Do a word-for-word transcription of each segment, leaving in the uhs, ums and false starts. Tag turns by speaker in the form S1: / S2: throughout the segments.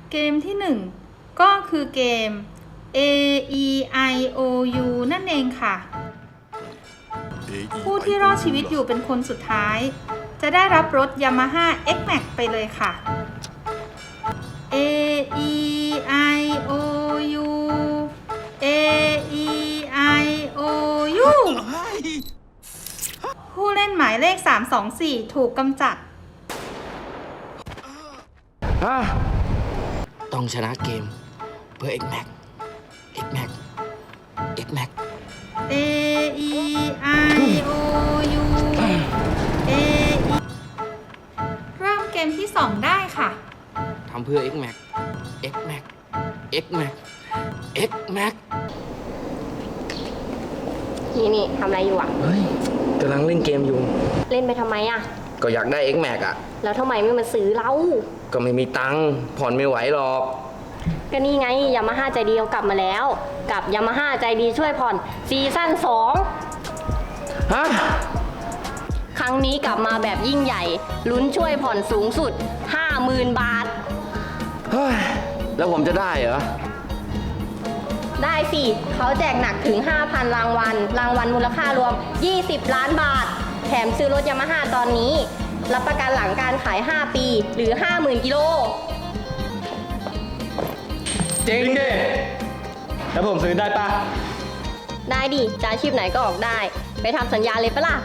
S1: เกมที่หนึ่งก็คือเกม A E I O U นั่นเองค่ะ ผู้ที่รอดชีวิตอยู่เป็นคนสุดท้าย จะได้รับรถ Yamaha เอ็กซ์ แม็กซ์ ไปเลยค่ะ A E I O U A E I O U ผู้เล่นหมายเลขสามสองสี่ถูกกำจัด
S2: ต้องชนะเกมเพื่อ เอ็กซ์ แม็กซ์ เอ็กซ์ แม็กซ์ เอ็กซ์ แม็กซ์
S1: A E I O U A E เริ่มเกมที่สองได้ค่ะ
S2: ทำเพื่อ เอ็กซ์ แม็กซ์ เอ็กซ์ แม็กซ์ เอ็กซ์ แม็กซ์ เอ็กซ์ แม็กซ์
S3: นี่นี่ทำอะไรอยู่อ่ะ
S2: เฮ้ยกำลังเล่นเกมอยู่
S3: เล่นไปทำไมอ่ะ
S2: ก็อยากได้ เอ็กซ์ แม็กซ์ อ่ะ
S3: แล้วทำไมไม่มาซื้อเรา
S2: ก็ไม่มีตังค์ผ่อนไม่ไหวหรอก
S3: ก็นี่ไงยามาฮ่าใจดีเขากลับมาแล้ว กับยามาฮ่าใจดีช่วยผ่อนซีซั่นสอง
S2: ฮะ
S3: ครั้งนี้กลับมาแบบยิ่งใหญ่ ลุ้นช่วยผ่อนสูงสุด ห้าหมื่น บาท
S2: เฮ้ย แล้วผมจะได้เหรอ
S3: ได้สิเขาแจกหนักถึง ห้าพัน รางวัล รางวัลมูลค่ารวม ยี่สิบ ล้านบาท แถมซื้อรถยามาฮ่าตอนนี้ รับประกันหลังการขาย ห้า ปี หรือ ห้าหมื่น กิโล
S4: จริงดิ แล้วผมซื้อได้ปะ
S3: ได้ดิจะอาชีพไหนก็ออกได้ ไปทำสัญญาเลยปะล่ะ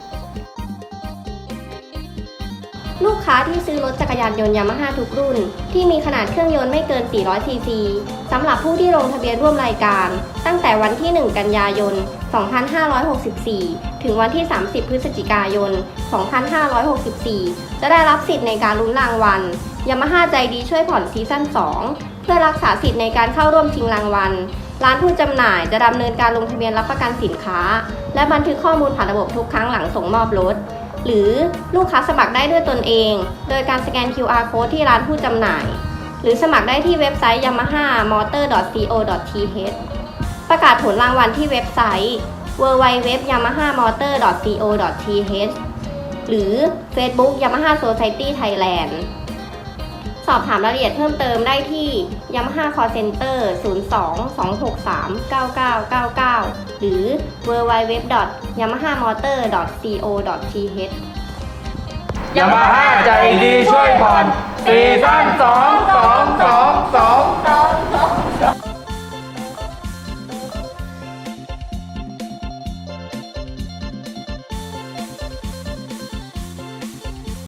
S3: ลูกค้าที่ซื้อรถจักรยานยนต์ยามาฮ่าทุกรุ่น ที่มีขนาดเครื่องยนต์ไม่เกิน สี่ร้อย ซี ซี สำหรับผู้ที่ลงทะเบียนร่วมรายการ ตั้งแต่วันที่ หนึ่ง กันยายน สองพันห้าร้อยหกสิบสี่ ถึงวันที่ สามสิบ พฤศจิกายน สองพันห้าร้อยหกสิบสี่ จะได้รับสิทธิ์ในการลุ้นรางวัลยามาฮ่าใจดีช่วยผ่อนซีซั่น สอง เพื่อรักษาสิทธิ์ในการเข้าร่วมชิงรางวัล ร้านผู้จำหน่ายจะดำเนินการลงทะเบียนรับประกันสินค้า และบันทึกข้อมูลผ่านระบบทุกครั้งหลังส่งมอบรถ หรือลูกค้าสมัครได้ด้วยตนเอง โดยการสแกน คิว อาร์ Code ที่ร้านผู้จำหน่าย หรือสมัครได้ที่เว็บไซต์ ยามาฮ่า มอเตอร์ ดอท ซี โอ ดอท ที เอช ประกาศผลรางวัลที่เว็บไซต์ ดับเบิลยู ดับเบิลยู ดับเบิลยู ดอท ยามาฮ่ามอเตอร์ ดอท ซี โอ ดอท ที เอช หรือ Facebook Yamaha Society Thailand สอบถามรายละเอียดเพิ่มเติมได้ที่ Yamaha Call Center ศูนย์ สอง สอง หก สาม เก้า เก้า เก้า เก้า หรือ ดับเบิลยู ดับเบิลยู ดับเบิลยู ดอท ยามาฮ่ามอเตอร์ ดอท ซี โอ ดอท ที เอช
S4: ยามาฮ่าใจดีช่วยผ่อนซีซั่นสองสองสองสองส